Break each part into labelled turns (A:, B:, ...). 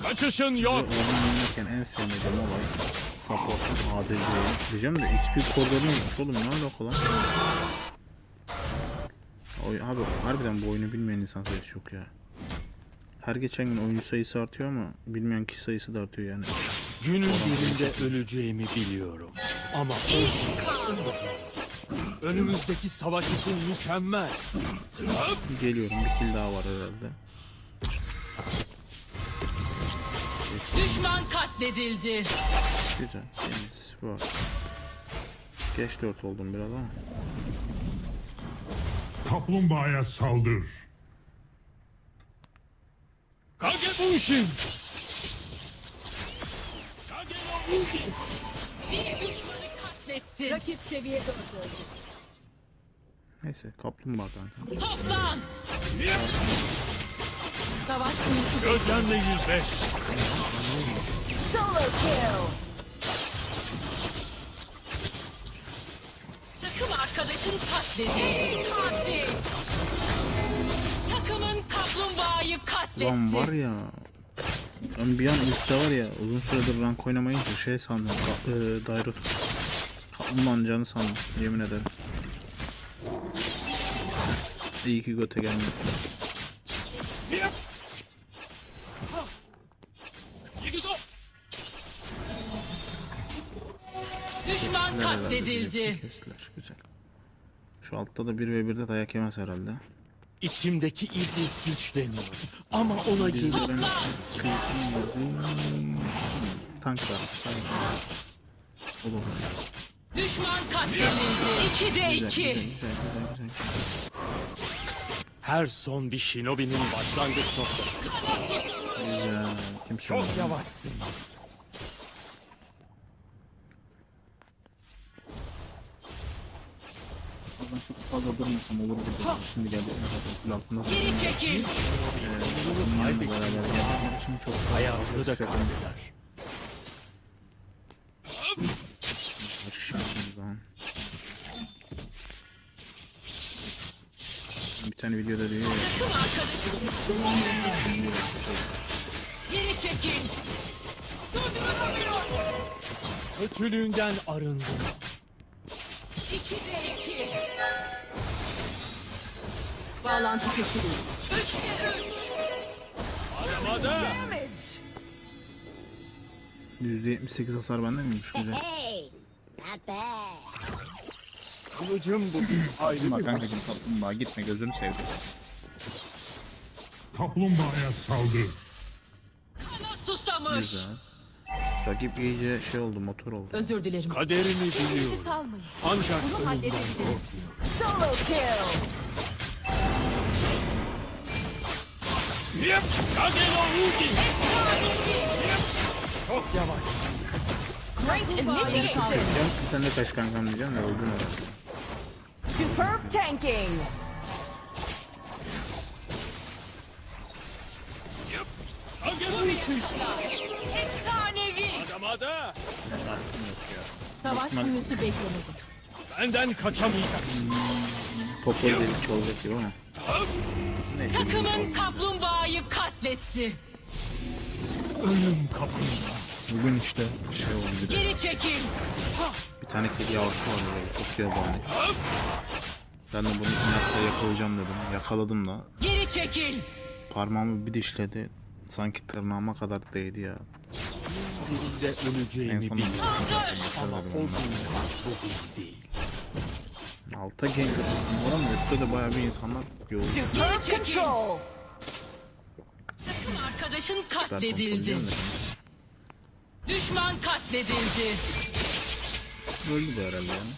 A: Kaçışın yok.
B: Oynarken en sevmediğim olay support'un ADC diyeceğim de XP koridorunu yokmuş oğlum, ne alaka lan? Abi harbiden bu oyunu bilmeyen insan sayısı çok ya. Her geçen gün oyuncu sayısı artıyor ama bilmeyen kişi sayısı da artıyor yani.
A: Günün birinde öleceğimi biliyorum. Ama önümüzdeki savaş için mükemmel.
B: Geliyorum, bir kill daha var herhalde.
C: Düşman katledildi.
B: Güzel, temiz, var. Geç 4 oldum biraz ama.
D: Kaplumbağaya saldır.
A: Kagebushin.
C: Bir düşmanı katletti. Rakip seviyede öldürdü.
B: Neyse, kaplumbağa kanka.
C: Toplan. Savaş konusu.
A: Gözlemle yüzleş.
C: Solo kill. Takım arkadaşın katledildi. Katil. Takımın kaplumbağayı katletti.
B: Lan var ya, ben bir an üstte var ya, uzun süredir rank oynamayınca şey sandım, Dairot kaplumbağanın canı sandım, yemin ederim. İyi ki göte gelmedi.
C: Düşman katledildi.
B: Kestiler, güzel. Şu altta da 1v1'de dayak yemez herhalde.
A: İçimdeki iblis güçleniyor. Ama ona
B: Biz de
A: geri...
B: ben tank var. Olur.
C: Düşman katledildi. 2'de 2.
B: Güzel.
A: Her son bir shinobi'nin başlangıç noktası.
B: Güzel. Kimse
A: Çok
B: olmadı.
A: yavaşsın.
B: Ben çok fazla durmasam olur gibi. Şimdi geldik zaten altında.
C: Geri çekil.
B: Bunlarla beraber geldiğim için çok
A: Hayatını da kaybeder.
B: şansımız lan. Bir tane videoda diyor ya.
C: Takım arkadaşın. Geri çekil.
A: Kötülüğünden arındım.
C: 2'de 2. Bağlantı kesildi. 3'de 3.
A: Aramada.
B: %78 hasar bende miymiş güzel.
E: Hey, not bad.
A: Kılıcım bu. Ayrı
B: Bak
A: bir
B: kankacım, kaplumbağa gitme, gözünü sevdim.
D: Kaplumbağaya saldır.
C: Kana susamış.
B: Güzel. Rakip iyice şey oldu, motor oldu.
C: Özür dilerim.
A: kaderini biliyorum.
C: Salmayın.
A: Ancak
C: Bunu
A: ölümden
C: halledebiliriz. Solo kill.
A: Yep. Kageno Ugi. Çok yavaşsın.
C: Great initiation.
B: Sen de kaç kankam diyeceğim de öldün herhalde.
C: Superb tanking.
A: Kageno Ugi.
C: Efsanevi.
A: Aramada.
C: Savaş büyüsü beklemedi.
A: Benden kaçamayacaksın.
B: Topu delik olacak gibi ama.
C: Takımın kaplumbağayı katletti.
A: Ölüm kapında.
B: Bugün işte şey oldu bir de.
C: Geri çekil.
B: Bir tane kedi yavrusu var böyle, çok yabani. Ben de bunu inatla yakalayacağım dedim. Yakaladım da.
C: Geri çekil.
B: Parmağımı bir dişledi. Sanki tırnağıma kadar değdi ya.
A: Birinde
B: En
A: öleceğimi
B: son
A: biliyorum. Ama o
B: yakaladım
A: gün bugün değil.
B: onu. Alta gank var ama üstte de bayağı bir insanlar yoğun.
C: Geri çekil. Takım arkadaşın
B: Ben kontrol
C: katledildi.
B: ediyorum da.
C: Düşman katledildi.
B: Öldü de herhalde yani.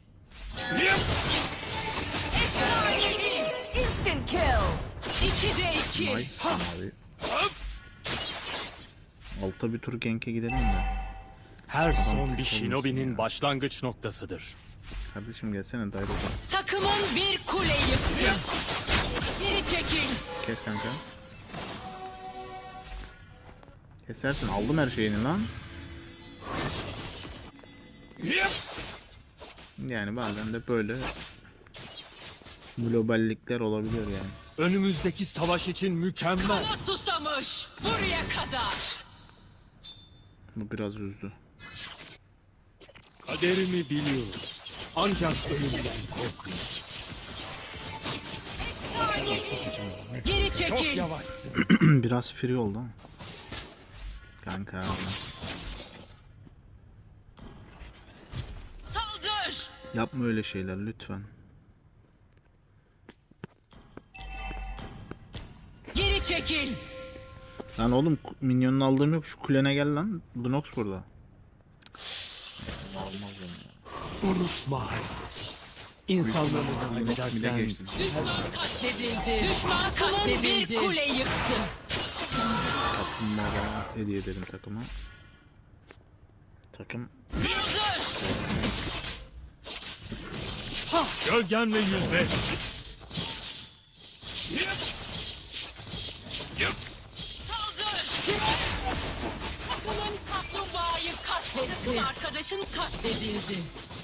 C: Efsanevi. Instant kill. 2'de 2.
B: Nice abi. Alta bir tur gank'e gidelim de.
A: Her son bir shinobi'nin başlangıç noktasıdır.
B: Kardeşim gelsene Dairot'a.
C: Takımın bir kule yıktı. Geri çekil.
B: Kes kanka. Kesersin, aldım her şeyini lan. Yani bazen de böyle globallikler olabiliyor yani.
A: Önümüzdeki savaş için mükemmel.
C: Kana susamış. Buraya kadar.
B: Bu biraz üzdü.
A: Kaderimi biliyorum. Ancak ölümden korkmuyorum.
C: Geri
A: Çok
C: çekil.
A: yavaşsın.
B: Biraz free oldu ama. Kanka.
C: Saldır.
B: Yapma öyle şeyler lütfen.
C: Geri çekil.
B: Lan oğlum minyonunu aldığım yok. Şu kulene gel lan. Lunox burada.
A: Unutma hayat. İnsanları kaybedersen
B: geçtim.
C: Düşman katledildi. Düşman katledildi. Bir kule yıktı.
B: Kaplumbağalara hediye edelim takıma. Takım
C: Saldır.
A: gölgenle yüzleş.
C: Saldır. Takımın kaplumbağayı katletti. Takım arkadaşın katledildi.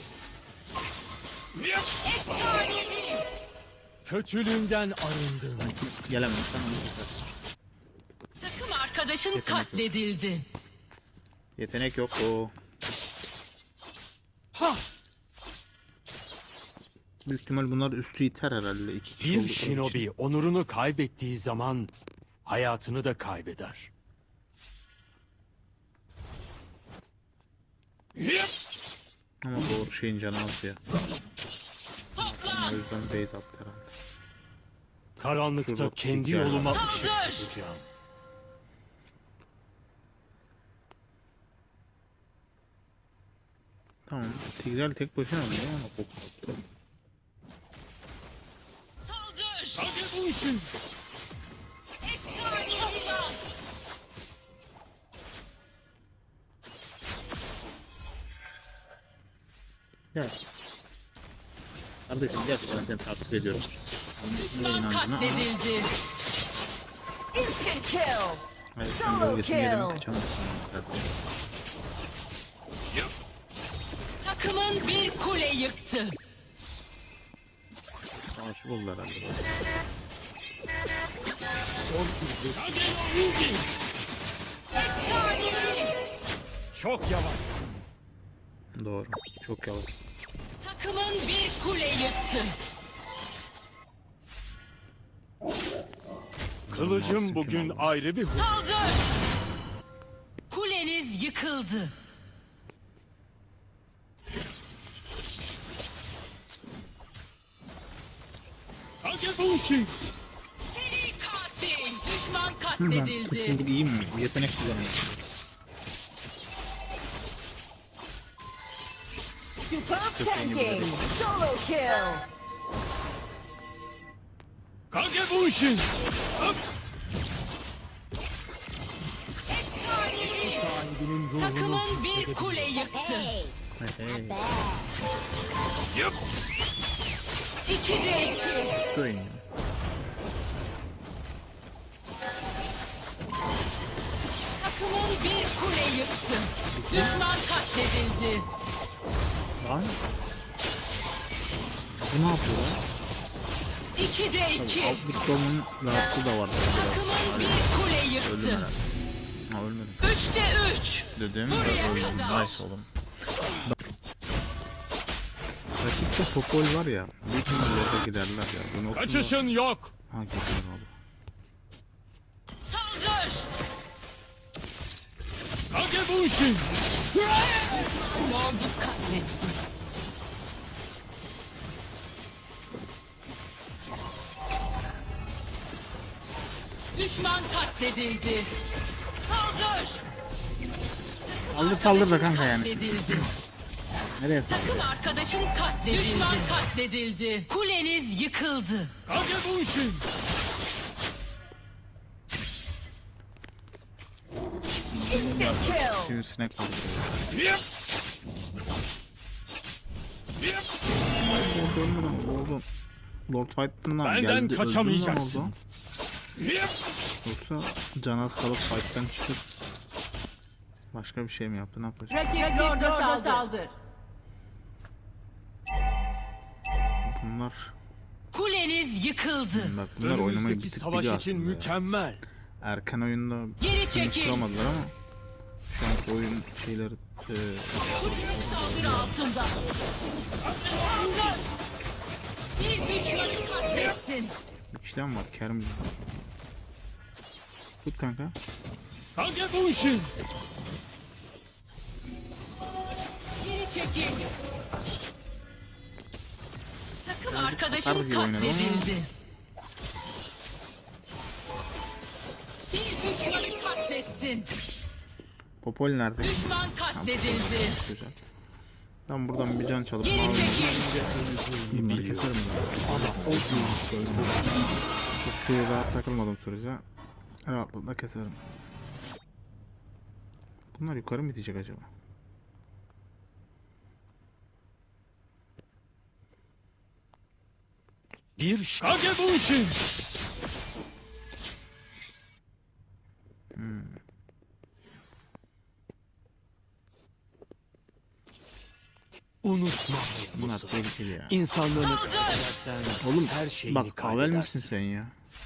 C: Efsanevi.
A: Kötülüğünden arındın.
B: gelemem tamam.
C: Takım arkadaşın katledildi.
B: Yetenek yok o.
A: Ha!
B: Büyük ihtimal bunlar üstü iter herhalde. İki kişi
A: Bir
B: oldukları için.
A: shinobi onurunu kaybettiği zaman hayatını da kaybeder.
B: Ama doğru şeyin canı az ya. O
C: Toplan.
B: yüzden base attı herhalde.
A: Karanlıkta
B: Şurada
A: kendi
B: çeker.
A: yoluma
C: Saldır!
A: ışık tutacağım.
B: Tamam. Tigreal tek başına mı ya? Ama koktu.
C: Saldır.
A: Hadi bu işin.
C: Efsanevi.
B: Gel. Kardeşim gerçekten seni takip ediyorum.
C: Düşman katledildi.
F: Instant kill!
B: Hayır,
F: Solo
B: sen bölgesini
F: kill.
B: yedim kaçamazsın. Kardeşim.
C: Takımın bir kule yıktı.
B: Savaşı buldu herhalde.
A: Son izi. Çok yavaşsın.
B: Doğru. Çok yavaş.
C: Takımın bir kule yıktı.
A: Kılıcım bugün ayrı bir huzur.
C: Saldır. Kuleniz yıkıldı.
A: Hadi bu işin.
C: Seri katil. Düşman
B: Ben
C: katledildi.
B: tutkulduk iyi mi? Yetenek kullanıyor.
F: Superb tanking! Solo kill!
A: Kage bu işin. Sahibinin ruhunu
C: Takımın bir kule yıktı.
E: Hey,
B: Hey.
E: bad.
A: Yap.
C: 2'de 2.
B: Şu oyun ya.
C: Takımın bir kule yıktı. Düşman katledildi.
B: Lan. Bu ne yapıyor lan?
C: 2'de 2.
B: Altlık dolmanın rahatsız da var.
C: Takımın bir kule
B: Öldüm
C: yıktı.
B: herhalde. Ha ölmedim.
C: 3'te 3.
B: Dedim
C: Buraya
B: öldüm.
C: kadar.
B: Nice oğlum. Rakipte Popol var ya. Büyük ihtimalle giderler ya. Bu noktada...
A: Kaçışın yok.
B: Ha gidiyor abi.
C: Saldır.
A: Kage bu işin.
C: Lord'u katletti. Düşman katledildi. Saldır.
B: Saldır saldır da kanka yani.
C: Katledildi.
B: Nereye saldır?
C: Takım arkadaşın katledildi. Düşman katledildi. Kuleniz yıkıldı.
A: Kage bu işin.
F: Instant kill!
B: Sivrisinek var.
A: Yap. Yap.
B: Oldu. Lord Fight'tan
A: Benden
B: geldi. öldü mü lan
A: kaçamayacaksın.
B: orada?
A: Yap.
B: Yoksa can az kalıp Fight'tan çıkıp başka bir şey mi yaptı? Ne yapacak?
F: Rakip Lord'a saldır!
B: Bunlar
C: Kuleniz yıkıldı.
B: bak bunlar oynamayı bir
A: Önümüzdeki
B: tık
A: savaş
B: biliyor
A: için
B: aslında ya.
A: mükemmel.
B: Erken oyunda
C: Geri
B: şunu
C: çekil.
B: kuramadılar ama şu anki oyun şeyleri
C: Saldırı altında. Bir düşmanı katlettin.
B: bir kişiden var Kerem. Tut kanka.
A: Kagebushin!
C: Geri çekil. Takım
B: satar
C: arkadaşın
B: gibi oynadı ama.
C: katledildi. Bir düşmanı katlettin.
B: Popol nerede?
C: Düşman katledildi.
B: Güzel. Ben buradan bir can çalıp
C: Geri
B: mavi
C: çekil.
B: İmleri keserim ben. Çok şeye rahat takılmadım sürece. Rahatlıkla keserim. Bunlar yukarı mı gidecek acaba?
A: Bir Kagebushin! Unutma
B: Bunlar
A: Hayabusa.
B: tehlikeli ya.
A: İnsanlığını
C: Saldır!
A: kaybedersen
B: Oğlum
A: her şeyini
B: bak Pavel misin
A: kaybedersin.
B: sen ya?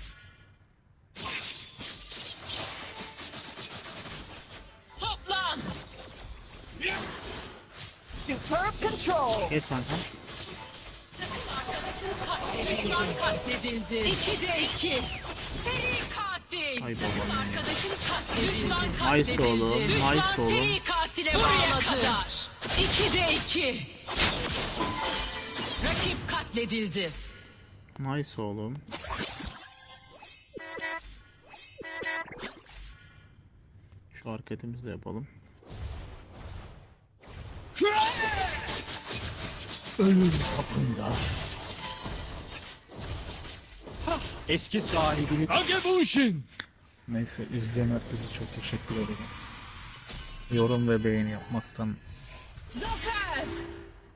C: Toplan.
F: Superb control.
B: Kes kanka.
C: Düşman katledildi. 2'de 2. Seri katil.
B: Ay
C: Takım
B: babam ya.
C: arkadaşın katledildi. Düşman
B: Nice
C: katledildi.
B: oğlum,
C: Düşman
B: nice oğlum.
C: seri katile bağladı. Kadar. 2'de 2. Rakip katledildi.
B: Nice oğlum. Şu hareketimizi de yapalım.
A: Ölüm kapında. Eski sahibini Kagebushin!
B: Neyse izleyen herkese çok teşekkür ederim. Yorum ve beğeni yapmaktan
C: Zafer.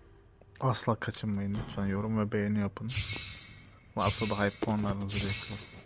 B: asla kaçınmayın lütfen. Yorum ve beğeni yapın. Varsa da hype puanlarınızı bekliyorum.